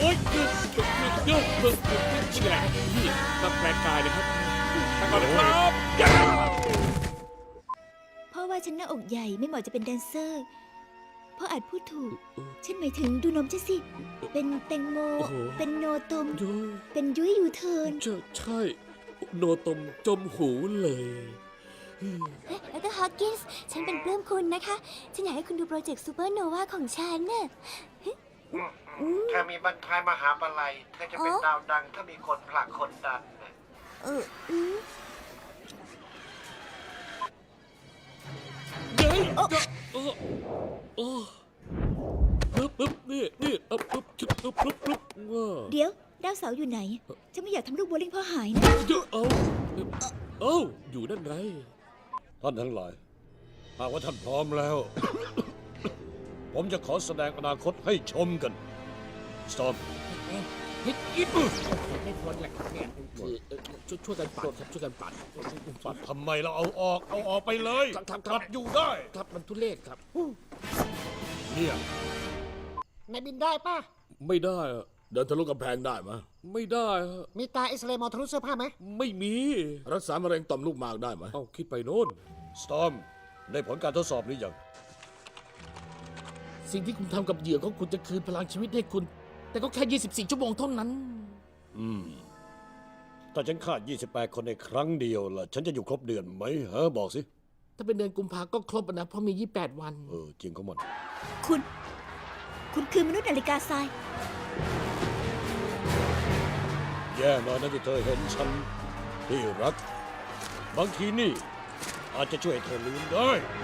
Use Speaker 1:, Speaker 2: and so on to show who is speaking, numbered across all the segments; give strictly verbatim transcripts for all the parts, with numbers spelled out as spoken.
Speaker 1: ฮ้ยหยุดหยุดหยุดหยุดหยุดหยุดหยุดแฉลงนี่มาแปลงกายนะครับไปก่อนนะครับ
Speaker 2: พ่อว่าฉันหน้าอกใหญ่ไม่เหมาะจะเป็นแดนเซอร์พ่ออาจพูดถูก ฉันหมายถึงดูนมฉันสิ เป็นแตงโม เป็นโนตม
Speaker 1: ยุ้ย
Speaker 2: เป็นยุ้ยยูเทิร์น
Speaker 1: ใช่ใช่โนตมจมหูเลย
Speaker 2: แล้วก็ฮอกกินส์ฉันเป็นปลื้มคุณนะคะ ฉันอยากให้คุณดูโปรเจกต์ซูเปอร์โนวาของฉันน่ะ
Speaker 3: เธอมีบรรทายมหาปลัยเธอจะเป็นดาวดังถ้ามีคนผลักคนดันน่ะ
Speaker 2: เอออืม
Speaker 1: เฮ้ยเออเออเออปึ๊บปึ๊บนี่นี่เออปึ๊บปึ๊บปึ๊บปึ๊บปึ๊บว้า
Speaker 2: เดี๋ยว ดาวเสาร์อยู่ไหน ฉันไม่อยากทำลูกโบลิ่งพ่อหายนะ
Speaker 1: เดี๋ยวเอาเอ้าอยู่นั่นไง
Speaker 4: ท่านทั้งหลายหากว่าท่านพร้อมแล้ว ผมจะขอแสดงอนาคตให้ชมกันสตอม
Speaker 1: เฮ้ยอิ๊ดไม่พ้นแหละเนี่ยคือช่วยช่วยกันปัดครับช่วยกันปัด
Speaker 4: ปัดทำไมเราเอาออก เอาออกไปเลย
Speaker 1: ครับครับค
Speaker 4: ปั
Speaker 1: รับ
Speaker 4: ดอยู่ได้
Speaker 1: ครับมันทุเรศครับ
Speaker 4: เนี่ย
Speaker 3: นายบินได้ป่ะ
Speaker 1: ไม่ได้อะเดินทะลุกำแพงได้ไหมไม่ได้อะ
Speaker 3: มีตาเอ็กซเรย์มองทะลุเสื้อผ้าไหม
Speaker 1: ไม่มี รักษามะเร็งต่อมลูกหมากได้ไหมเอ้าคิดไปโน่น
Speaker 4: สตอมได้ผลการทดสอบหรือยัง
Speaker 5: สิ่งที่คุณทำกับเหยื่อของคุณจะคืนพลังชีวิตให้คุณ แต่ก็แค่ ยี่สิบสี่ ชั่วโมงเท่านั้น
Speaker 4: อืมถ้าฉันฆ่ายี่สิบแปดคนในครั้งเดียวล่ะ ฉันจะอยู่ครบเดือนไหมฮะบอกสิ
Speaker 5: ถ้าเป็นเดือนกุมภาก็ครบอะนะ เพราะมี ยี่สิบแปด วัน
Speaker 4: เออ จริงของมัน
Speaker 2: คุณ คุณคือมนุษย์นาฬิกาทราย
Speaker 4: แย่หน่อยนะที่เธอเห็นฉันที่รัก บางทีนี่ อาจจะช่วยให้เธอลืมได้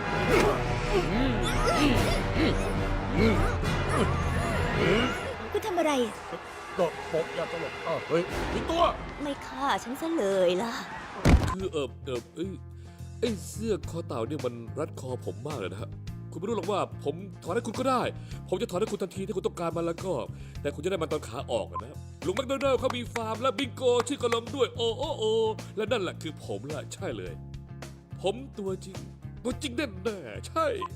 Speaker 2: คุณทำอะไรอะ
Speaker 4: ก็ปกอย่าตลกอ้าวเฮ้ยมีตัว
Speaker 2: ไม่ฆ่าฉันซะเลยล่ะ
Speaker 1: คือเออเออเอ้ยไอ้เสื้อคอเต่าเนี่ยมันรัดคอผมมากเลยนะฮะคุณไม่รู้หรอกว่าผมถอนให้คุณก็ได้ ผมจะถอนให้คุณทันทีถ้าคุณต้องการมันแล้วก็ แต่คุณจะได้มันตอนขาออกอะนะลุงแมคโดนัลด์เขามีฟาร์มและบิงโกชื่อกระลมด้วยโอโอโอและนั่นแหละคือผมแหละใช่เลย ผมตัวจริง ตัวจริงแน่แน่ๆใช่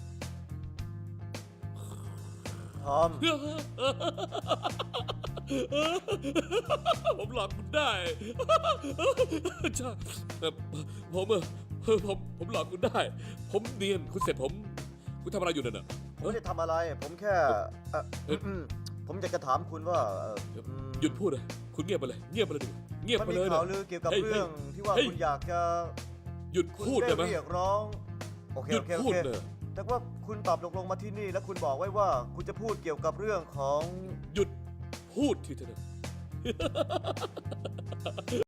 Speaker 3: ทอม
Speaker 1: ผมหลอกคุณได้ใช่เอ่อผมเออผมผมหลอกคุณได้ ผมเนียนคุณเสร็จผม คุณทำอะไรอยู่นั่นน่ะ
Speaker 6: ผมไม่ได้ทำอะไร ผมแค่เอ่อ
Speaker 1: เอ๊ะ
Speaker 6: อืมผมอยากจะถามคุณว่าเอ่ออืม
Speaker 1: หยุดพูดเลยคุณเงียบไปเลย เงียบไปเลยดิเงียบ
Speaker 6: มัน
Speaker 1: ไป
Speaker 6: มี
Speaker 1: เลย
Speaker 6: ข่าว
Speaker 1: นะ
Speaker 6: ลือเกี่ยวกับ
Speaker 1: เฮ้ย
Speaker 6: เรื่องที่ว่า
Speaker 1: เฮ้ย
Speaker 6: คุณอยากจะ
Speaker 1: หยุด
Speaker 6: คุณ
Speaker 1: พูดได้ไหม
Speaker 6: เรียกร้อง โอเค
Speaker 1: หยุ
Speaker 6: โอ
Speaker 1: ด
Speaker 6: เคโอ
Speaker 1: พูด
Speaker 6: เค
Speaker 1: เลย
Speaker 6: แต่ว่าคุณตอบตกลงมาที่นี่ แล้วคุณบอกไว้ว่าคุณจะพูดเกี่ยวกับเรื่องของ
Speaker 1: หยุดพูดทีเถอะ